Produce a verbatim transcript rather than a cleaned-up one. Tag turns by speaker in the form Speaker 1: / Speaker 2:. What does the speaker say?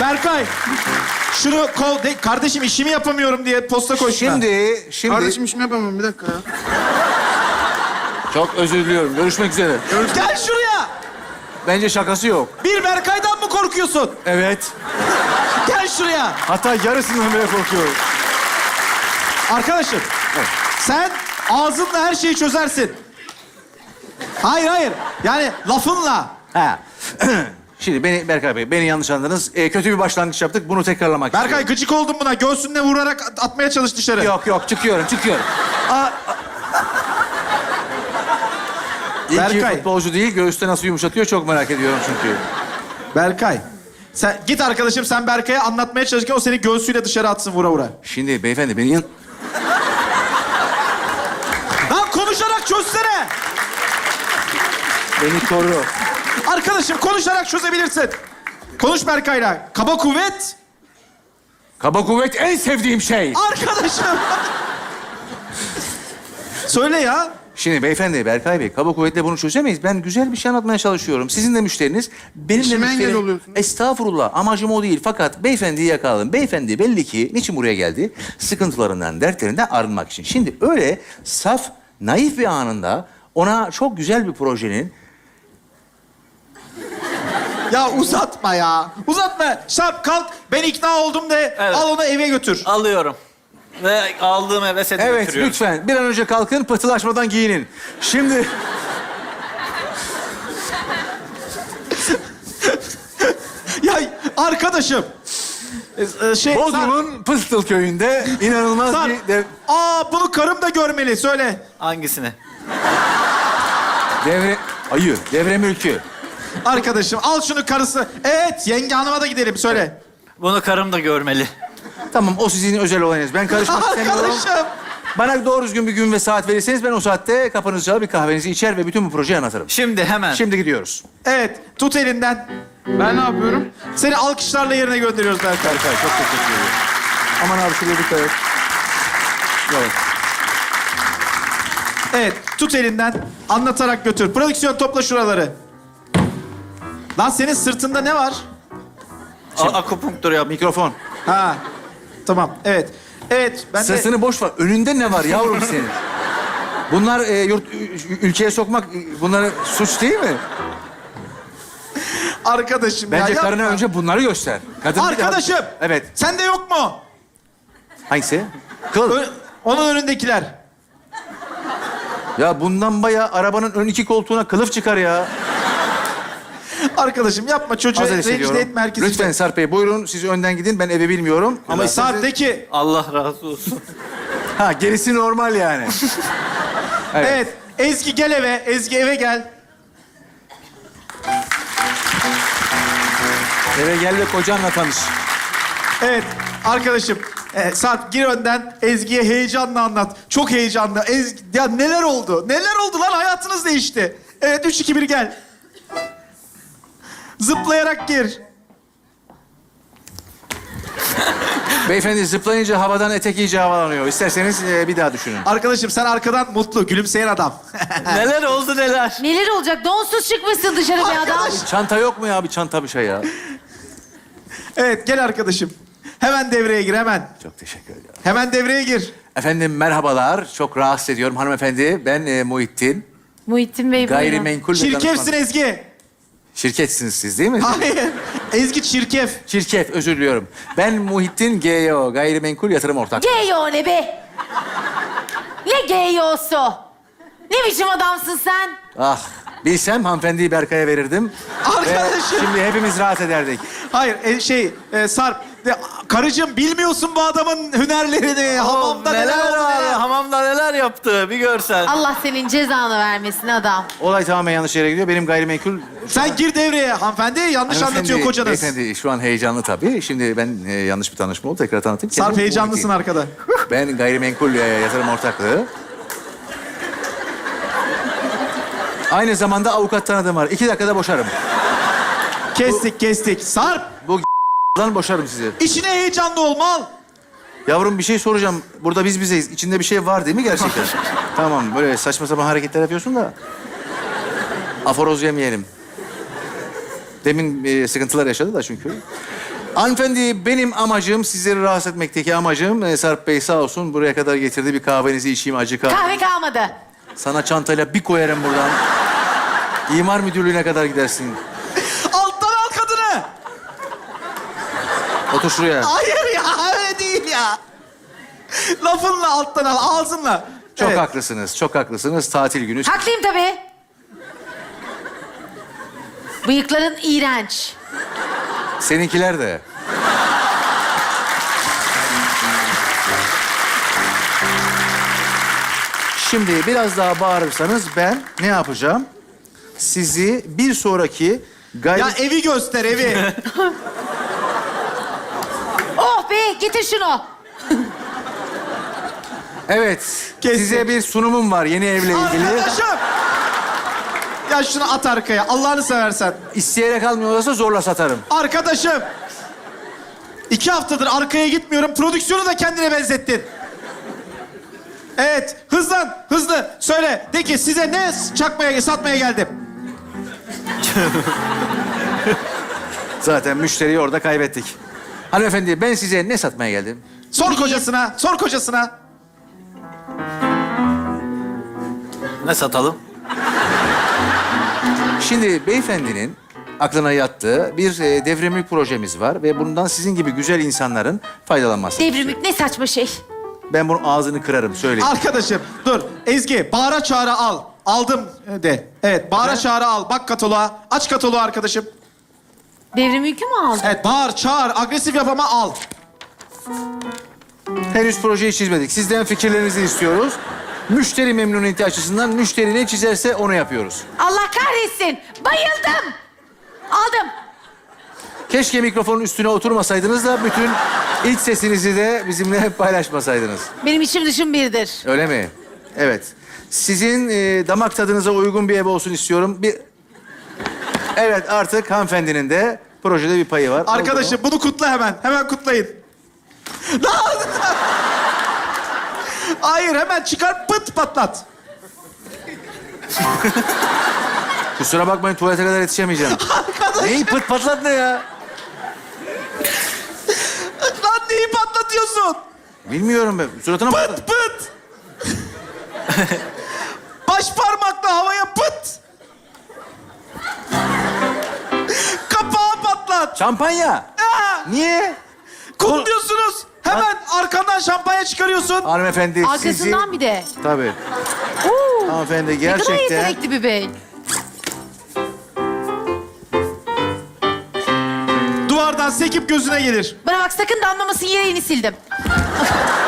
Speaker 1: Berkay. Şunu kol... De, kardeşim işimi yapamıyorum diye posta koşma.
Speaker 2: Şimdi, şimdi...
Speaker 3: Kardeşim işimi yapamam bir dakika ya.
Speaker 2: Çok özür diliyorum. Görüşmek üzere.
Speaker 1: Gel şuraya.
Speaker 2: Bence şakası yok.
Speaker 1: Bir Berkay'dan mı korkuyorsun?
Speaker 2: Evet.
Speaker 1: Gel şuraya.
Speaker 2: Hatta yarısından bile korkuyorum.
Speaker 1: Arkadaşım.
Speaker 2: Evet.
Speaker 1: Sen ağzınla her şeyi çözersin. Hayır hayır. Yani lafınla.
Speaker 2: Ha. Şimdi beni Berkay Bey, beni yanlış anladınız. Ee, kötü bir başlangıç yaptık. Bunu tekrarlamak
Speaker 1: Berkay
Speaker 2: istiyorum.
Speaker 1: gıcık oldum buna. Göğsünle vurarak at- atmaya çalış dışarı.
Speaker 2: Yok yok, çıkıyorum, çıkıyorum. Aa, a- İyi ki
Speaker 1: Berkay.
Speaker 2: futbolcu değil, göğüste nasıl yumuşatıyor çok merak ediyorum çünkü.
Speaker 1: Berkay. Sen git arkadaşım, sen Berkay'a anlatmaya çalışırken o seni göğsüyle dışarı atsın vura vura.
Speaker 2: Şimdi beyefendi beni yan...
Speaker 1: Lan konuşarak çözsene.
Speaker 2: Beni koru.
Speaker 1: Arkadaşım konuşarak çözebilirsin. Konuş Berkay'la. Kaba kuvvet.
Speaker 2: Kaba kuvvet en sevdiğim şey.
Speaker 1: Arkadaşım. Söyle ya.
Speaker 2: Şimdi beyefendi, Berkay Bey, kaba kuvvetle bunu çözemeyiz. Ben güzel bir şey anlatmaya çalışıyorum. Sizin de müşteriniz, benim de
Speaker 3: İşime engel
Speaker 2: müşterim.
Speaker 3: oluyorsun.
Speaker 2: Estağfurullah, amacım o değil. Fakat beyefendiyi yakaladım. Beyefendi belli ki niçin buraya geldi? Sıkıntılarından, dertlerinden arınmak için. Şimdi öyle saf, naif bir anında ona çok güzel bir projenin...
Speaker 1: Ya uzatma ya. Uzatma. Şap kalk. Ben ikna oldum de.
Speaker 4: Evet.
Speaker 1: Al onu eve götür.
Speaker 4: Alıyorum. Ve aldığım eve seni
Speaker 2: Evet,
Speaker 4: götürüyorum.
Speaker 2: lütfen bir an önce kalkın, pıhtılaşmadan giyinin. Şimdi...
Speaker 1: Ya arkadaşım. Ee, e, şey,
Speaker 2: Bodrum'un Pıstıl köyünde inanılmaz
Speaker 1: Sarp,
Speaker 2: bir... dev-
Speaker 1: Aa bunu karım da görmeli. Söyle.
Speaker 4: Hangisini?
Speaker 2: devre... Hayır, devre mülkü.
Speaker 1: Arkadaşım al şunu karısı. Evet yenge hanıma da gidelim. Söyle.
Speaker 4: Bunu karım da görmeli.
Speaker 2: Tamam, o sizin özel olayınız. Ben karışmak istemiyorum.
Speaker 1: Arkadaşım.
Speaker 2: Bana doğru düzgün bir gün ve saat verirseniz ben o saatte kapınızı çalar bir kahvenizi içer ve bütün bu projeyi anlatırım.
Speaker 4: Şimdi hemen.
Speaker 2: Şimdi gidiyoruz.
Speaker 1: Evet tut elinden.
Speaker 3: Ben ne yapıyorum?
Speaker 1: Seni alkışlarla yerine gönderiyoruz Berkay.
Speaker 2: Berkay, çok teşekkür ederim. Aman abi şuraya dikkat et. Evet.
Speaker 1: Evet tut elinden. Anlatarak götür. Prodüksiyon topla şuraları. Lan senin sırtında ne var?
Speaker 4: A- akupunktur yap.
Speaker 2: Mikrofon.
Speaker 1: Ha. Tamam. Evet. Evet. Ben de...
Speaker 2: Sesini boş ver. Önünde ne var yavrum senin? Bunlar e, yurt, ü- ülkeye sokmak, e, bunlar suç değil mi?
Speaker 1: Arkadaşım
Speaker 2: Bence
Speaker 1: ya
Speaker 2: karına
Speaker 1: yapma.
Speaker 2: önce bunları göster. Kadın bir daha-
Speaker 1: Arkadaşım.
Speaker 2: Evet.
Speaker 1: Sende yok mu?
Speaker 2: Hangisi? Kıl.
Speaker 1: Ö- onun önündekiler.
Speaker 2: Ya bundan bayağı arabanın ön iki koltuğuna kılıf çıkar ya.
Speaker 1: Arkadaşım yapma çocuğu
Speaker 2: Hazır
Speaker 1: rencide
Speaker 2: hissediyorum.
Speaker 1: etme herkesi.
Speaker 2: Lütfen Sarp Bey buyurun. Siz önden gidin. Ben eve bilmiyorum.
Speaker 1: Ama
Speaker 2: Ama
Speaker 1: saatteki...
Speaker 4: Allah razı olsun.
Speaker 2: Ha, gerisi normal yani.
Speaker 1: Evet.
Speaker 2: Evet.
Speaker 1: Ezgi gel eve. Ezgi eve gel.
Speaker 2: Eve gel ve kocanla tanış.
Speaker 1: Evet arkadaşım. E, Sarp gir önden. Ezgi'ye heyecanla anlat. Çok heyecanlı. Ezgi... Ya neler oldu? Neler oldu lan? Hayatınız değişti. Evet üç, iki, bir gel. Zıplayarak gir.
Speaker 2: Beyefendi zıplayınca havadan etek iyice havalanıyor. İsterseniz e, bir daha düşünün.
Speaker 1: Arkadaşım sen arkadan mutlu, gülümseyen adam.
Speaker 4: Neler oldu neler?
Speaker 5: Neler olacak? Donsuz çıkmışsın dışarı bir adam.
Speaker 1: Arkadaş.
Speaker 2: Çanta yok mu ya? Bir çanta bir şey ya.
Speaker 1: Evet gel arkadaşım. Hemen devreye gir hemen.
Speaker 2: Çok teşekkür ederim.
Speaker 1: Hemen devreye gir.
Speaker 2: Efendim merhabalar. Çok rahatsız ediyorum hanımefendi. Ben e, Muhittin.
Speaker 5: Muhittin Bey buyurun.
Speaker 2: Gayrimenkul ve
Speaker 1: Çirkefsin
Speaker 2: danışman-
Speaker 1: Ezgi.
Speaker 2: Şirketsiniz siz değil mi?
Speaker 1: Hayır. Ezgi çirkef.
Speaker 2: Çirkef, özür diliyorum. Ben Muhittin G Y O, Gayrimenkul Yatırım Ortak.
Speaker 5: Geyo ne be? Ne geyosu? Ne biçim adamsın sen?
Speaker 2: Ah, bilsem hanımefendiyi Berkay'a verirdim.
Speaker 1: Arkadaşım.
Speaker 2: Ve şimdi hepimiz rahat ederdik.
Speaker 1: Hayır e, şey e, Sarp. De, karıcığım bilmiyorsun bu adamın hünerlerini. Hamamda neler,
Speaker 4: neler
Speaker 1: oldu
Speaker 4: var?
Speaker 1: neler.
Speaker 4: Hamamda neler yaptı bir görsen.
Speaker 5: Allah senin cezanı vermesin adam.
Speaker 2: Olay tamamen yanlış yere gidiyor. Benim gayrimenkul...
Speaker 1: Sen gir devreye hanımefendi. Yanlış
Speaker 2: Hanımefendi,
Speaker 1: anlatıyor kocanız.
Speaker 2: Beyefendi şu an heyecanlı tabii. Şimdi ben e, yanlış bir tanışma oldu. Tekrar tanıtayım.
Speaker 1: Sarp
Speaker 2: Kendim
Speaker 1: heyecanlısın
Speaker 2: Muhittin.
Speaker 1: arkada.
Speaker 2: Ben gayrimenkul e, yatırım ortaklığı. Aynı zamanda avukat tanıdığım var. İki dakikada boşarım.
Speaker 1: Kestik kestik. Sarp
Speaker 2: Bu dan boşarım sizi.
Speaker 1: işine heyecanlı ol mal.
Speaker 2: Yavrum bir şey soracağım. Burada biz bizeyiz. İçinde bir şey var değil mi gerçekten? Tamam böyle saçma sapan hareketler yapıyorsun da. Aforoz yemeyelim. Demin e, sıkıntılar yaşadı da çünkü. Hanımefendi, benim amacım, sizleri rahatsız etmekteki amacım... E, Sarp Bey sağ olsun buraya kadar getirdi. Bir kahvenizi içeyim, acı kahve.
Speaker 5: Kahve kalmadı.
Speaker 2: Sana çantayla bir koyarım buradan. İmar müdürlüğüne kadar gidersin.
Speaker 1: Alttan al kadını.
Speaker 2: Otur şuraya.
Speaker 1: Hayır ya, öyle değil ya. Lafınla alttan al, ağzınla.
Speaker 2: Çok
Speaker 1: Evet.
Speaker 2: haklısınız, çok haklısınız. Tatil günü.
Speaker 5: Haklıyım tabii. Bıyıkların iğrenç.
Speaker 2: Seninkiler de. Şimdi biraz daha bağırırsanız ben ne yapacağım? Sizi bir sonraki gayri...
Speaker 1: Ya evi göster, evi.
Speaker 5: Oh be, getir şunu.
Speaker 2: Evet,
Speaker 1: Kesin.
Speaker 2: size bir sunumum var yeni evle ilgili.
Speaker 1: Arkadaşım. Ya şunu at arkaya, Allah'ını seversen.
Speaker 2: İsteyerek almıyorlarsa zorla satarım.
Speaker 1: Arkadaşım. İki haftadır arkaya gitmiyorum. Prodüksiyonu da kendine benzettin. Evet, hızlan, hızlı. Söyle, de ki size ne çakmaya, satmaya geldim?
Speaker 2: Zaten müşteriyi orada kaybettik. Hanımefendi, ben size ne satmaya geldim?
Speaker 1: Sor kocasına, sor kocasına.
Speaker 4: Ne satalım?
Speaker 2: Şimdi beyefendinin aklına yattığı bir e, devrimlik projemiz var ve bundan sizin gibi güzel insanların faydalanması.
Speaker 5: Devrimlik ne saçma şey.
Speaker 2: Ben bunun ağzını kırarım, söyleyeyim.
Speaker 1: Arkadaşım, dur. Ezgi, bağıra çağıra al. Aldım de. Evet, bağıra çağıra al. Bak kataloğa. Aç kataloğu arkadaşım.
Speaker 5: Devrimlik'i mi aldın?
Speaker 1: Evet, bağır, çağır, agresif yap ama al.
Speaker 2: Henüz projeyi çizmedik. Sizden fikirlerinizi istiyoruz. Müşteri memnuniyeti açısından müşteri ne çizerse onu yapıyoruz.
Speaker 5: Allah kahretsin. Bayıldım. Aldım.
Speaker 2: Keşke mikrofonun üstüne oturmasaydınız da bütün iç sesinizi de bizimle paylaşmasaydınız.
Speaker 5: Benim içim dışım birdir.
Speaker 2: Öyle mi? Evet. Sizin e, damak tadınıza uygun bir ev olsun istiyorum. Bir... Evet, artık hanımefendinin de projede bir payı var.
Speaker 1: Arkadaşım,
Speaker 2: Oldu mu?
Speaker 1: bunu kutla hemen. Hemen kutlayın. Lan! Hayır, hemen çıkar, pıt patlat.
Speaker 2: Kusura bakmayın, tuvalete kadar yetişemeyeceğim.
Speaker 1: Arkadaşım,
Speaker 2: Neyi pıt patlat ne ya?
Speaker 1: lan neyi patlatıyorsun?
Speaker 2: Bilmiyorum ben. Suratına patlat.
Speaker 1: Pıt pıt. Baş parmakla havaya pıt. Kapağı patlat.
Speaker 2: Şampanya.
Speaker 1: Aa,
Speaker 2: Niye?
Speaker 1: kutluyorsunuz. Hemen arkandan şampanya çıkarıyorsun.
Speaker 2: Hanımefendi
Speaker 5: Arkasından
Speaker 2: sizi...
Speaker 5: bir de.
Speaker 2: Tabii.
Speaker 5: Oo,
Speaker 2: Hanımefendi
Speaker 5: ne kadar
Speaker 2: gerçekten...
Speaker 5: yetenekli bir bey.
Speaker 1: Duvardan sekip gözüne gelir.
Speaker 5: Bana bak, sakın damlamasın, yerini sildim.